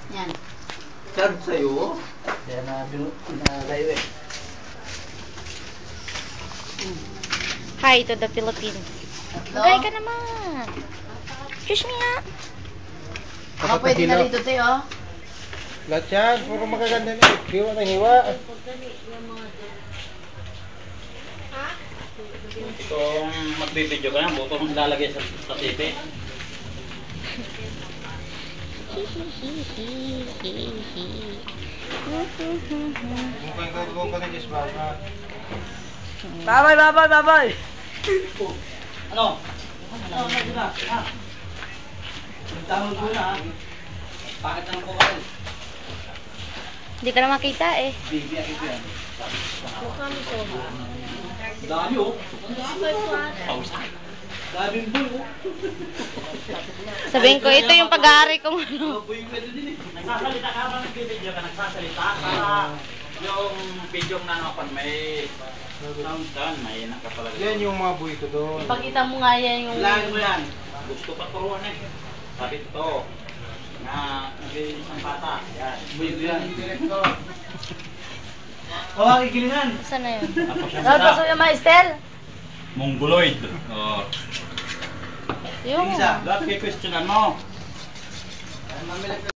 Yan. Charge sa'yo? Kaya nalayo eh. Hi to the Philippines. Magay ka naman. Excuse me nga. Baka pwede na rito tayo, oh. Lahat yan, puro magaganda na. Hiwa na hiwa. Kung magbibideo ka na, buto mong ilalagay sa TV. Mukhang ka na Diyos baba. Babay! Ano? Ano na? Ha? Magtanong ko na, ha? Bakit naman po kayo? Hindi ka na makita eh. Bibiyak ito yan. Dami oh. Pausak. Daming bull oh. Sabihin ko, ito yung pag-aari kong ano. Bull pwede din eh. Nagsasalita ka ba nagbibideo ka? Nagsasalita para yung video na napan may sound down, may nakapalagay. Yan yung mga buhay ko doon. Ipakita mo nga yan yung... Lagi mo yan. Gusto pa turuan eh. Sabi ito. Na nag-iisang bata. Yan. Buhay ko yan. Oh, kikilingan. Saan na yun? Tapos yung maestel? Mongoloid. Oh. Yung... Isa, lahat kay questionan mo.